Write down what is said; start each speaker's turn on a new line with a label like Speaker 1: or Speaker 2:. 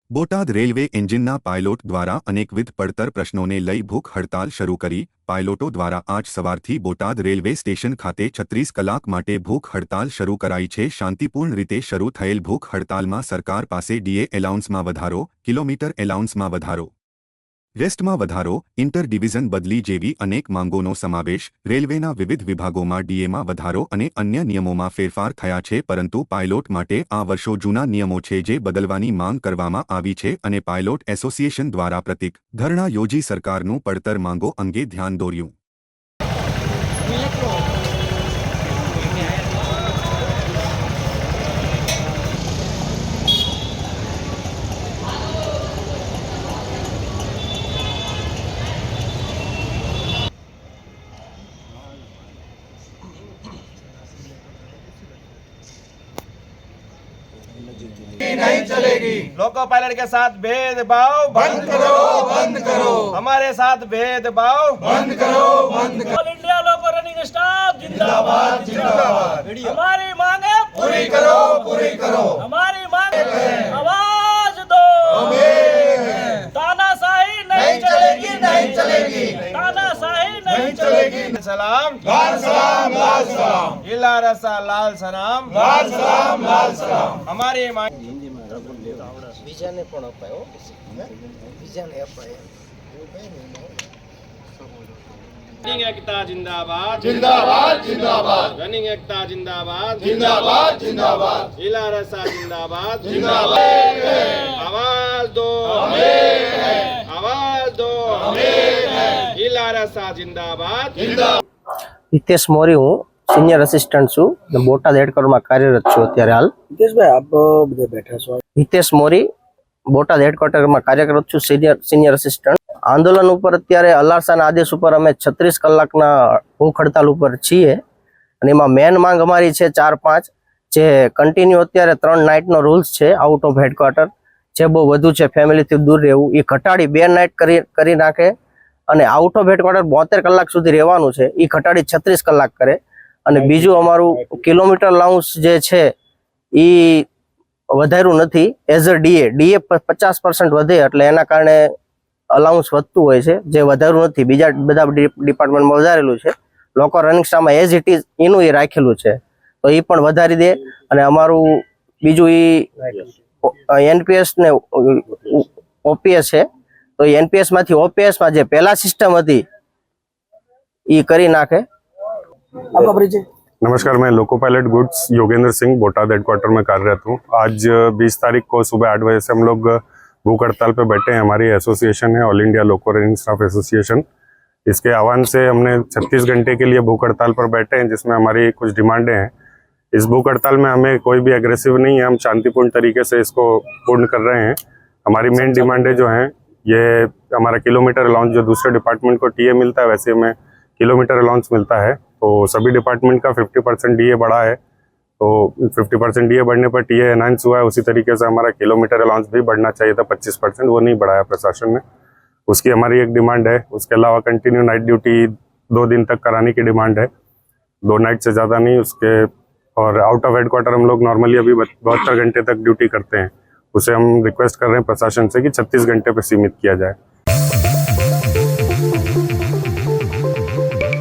Speaker 1: Botad railway એન્જિનના pilot દ્વારા અનેકવિધ પડતર પ્રશ્નોને લઈ ભૂખ હડતાલ શરૂ કરી। પાયલોટો દ્વારા આજ સવારથી બોટાદ રેલવે સ્ટેશન ખાતે 36 કલાક માટે ભૂખ હડતાલ શરૂ કરાઈ છે। શાંતિપૂર્ણ રીતે શરૂ થયેલ ભૂખ હડતાલમાં સરકાર પાસે ડીએ એલાઉન્સમાં વધારો, કિલોમીટર એલાઉન્સમાં વધારો, રેસ્ટમાં વધારો, ઇન્ટર ડિવિઝન બદલી જેવી અનેક માંગોનો સમાવેશ, રેલવેના વિવિધ વિભાગોમાં ડીએમાં વધારો અને અન્ય નિયમોમાં ફેરફાર થયા છે। પરંતુ પાયલોટ માટે આ વર્ષો જૂના નિયમો છે જે બદલવાની માંગ કરવામાં આવી છે અને પાયલોટ એસોસિએશન દ્વારા પ્રતિક ધરણા યોજી સરકારનું પડતર માંગો અંગે ધ્યાન દોર્યું।
Speaker 2: नहीं चलेगी।
Speaker 3: लोको पायलट के साथ भेदभाव
Speaker 2: बंद करो, बंद करो।
Speaker 3: हमारे साथ भेदभाव
Speaker 2: बंद करो, बंद करो।
Speaker 3: All India loco running staff
Speaker 2: जिंदाबाद, जिंदाबाद।
Speaker 3: हमारी मांगे
Speaker 2: पूरी करो, पूरी करो।
Speaker 3: हमारी मांगे आवाज दो। तानाशाही नहीं चलेगी, नहीं चलेगी। तानाशाही नहीं चलेगी। सलाम
Speaker 2: लाल सलाम, लाल सलाम।
Speaker 3: इला रसा लाल सलाम,
Speaker 2: लाल सलाम, लाल सलाम।
Speaker 3: हमारी मांग
Speaker 4: બીજાને પણ અપાયો બીજાને અપાય
Speaker 3: रनिंग एकता जिंदाबाद,
Speaker 2: जिंदाबाद, जिंदाबाद।
Speaker 3: रनिंग एकता जिंदाबाद,
Speaker 2: जिंदाबाद, जिंदाबाद।
Speaker 3: इला रसा जिंदाबाद,
Speaker 2: जिंदाबाद।
Speaker 3: आवाज दो, आवाज दो, इला रसा जिंदाबाद,
Speaker 2: जिंदाबाद।
Speaker 4: હિતેશ મોરી, હું સિનિયર અસિસ્ટન્ટ છું અને બોટાદ હેડક્વાર્ટરમાં કાર્યરત છું અત્યારે હાલ। હિતેશભાઈ, આપ બધા બેઠા છો? હિતેશ મોરી, બોટાદ હેડક્વાર્ટરમાં કાર્યરત છું, સિનિયર અસિસ્ટન્ટ। આંદોલન ઉપર અત્યારે અલારસાના આદેશ ઉપર અમે 36 કલાકના ભૂખ હડતાલ ઉપર છીએ અને એમાં મેન માંગ અમારી છે 4-5 જે કન્ટિન્યુ અત્યારે 3 નાઇટનો રૂલ્સ છે આઉટ ઓફ હેડક્વાર્ટર જે બહુ વધુ છે, ફેમિલીથી દૂર રહેવું, એ ઘટાડી 2 નાઇટ કરી નાખે અને આઉટ ઓફ હેડક્વાર્ટર 72 કલાક સુધી રહેવાનું છે એ ઘટાડી 36 કલાક કરે। અને બીજું અમારું કિલોમીટર અલાઉન્સ જે છે એ વધાર્યું નથી એઝ અ ડીએ 50% વધે એટલે એના કારણે અલાઉન્સ વધતું હોય છે, જે વધાર્યું નથી। બીજા બધા ડિપાર્ટમેન્ટમાં વધારેલું છે, લોકો રનિંગ સ્ટાફમાં એઝ ઇટ ઇઝ એનું એ રાખેલું છે તો એ પણ વધારી દે। અને અમારું બીજું એ એનપીએસ ને ઓપીએસ છે તો એનપીએસ માંથી ઓપીએસ માં જે પહેલા સિસ્ટમ હતી એ કરી નાખે।
Speaker 5: नमस्कार, मैं loco pilot goods Yogendra Singh Botad headquarter में कार्यरत हूँ। आज 20 तारीख को सुबह 8 बजे से हम लोग भूख हड़ताल पे बैठे हैं। हमारी एसोसिएशन है all India loco running staff association. इसके आह्वान से हमने 36 घंटे के लिए भूख हड़ताल पर बैठे हैं जिसमें हमारी कुछ डिमांडें हैं। इस भूख हड़ताल में हमें कोई भी एग्रेसिव नहीं है, हम शांतिपूर्ण तरीके से इसको पूर्ण कर रहे हैं। हमारी मेन डिमांडें जो हैं ये हमारा किलोमीटर अलाउंस, जो दूसरे डिपार्टमेंट को टीए मिलता है वैसे हमें किलोमीटर अलाउंस मिलता है, तो सभी डिपार्टमेंट का 50% डीए बढ़ा है, तो 50% डीए बढ़ने पर टीए एनहांस हुआ है। उसी तरीके से हमारा किलोमीटर अलाउंस भी बढ़ना चाहिए था 25%, वो नहीं बढ़ाया प्रशासन ने, उसकी हमारी एक डिमांड है। उसके अलावा कंटिन्यू नाइट ड्यूटी 2 दिन तक कराने की डिमांड है, 2 नाइट से ज़्यादा नहीं उसके। और आउट ऑफ हेडक्वार्टर हम लोग नॉर्मली अभी 72 घंटे तक ड्यूटी करते हैं, उसे हम रिक्वेस्ट कर रहे हैं प्रशासन से कि 36 घंटे पर सीमित किया जाए।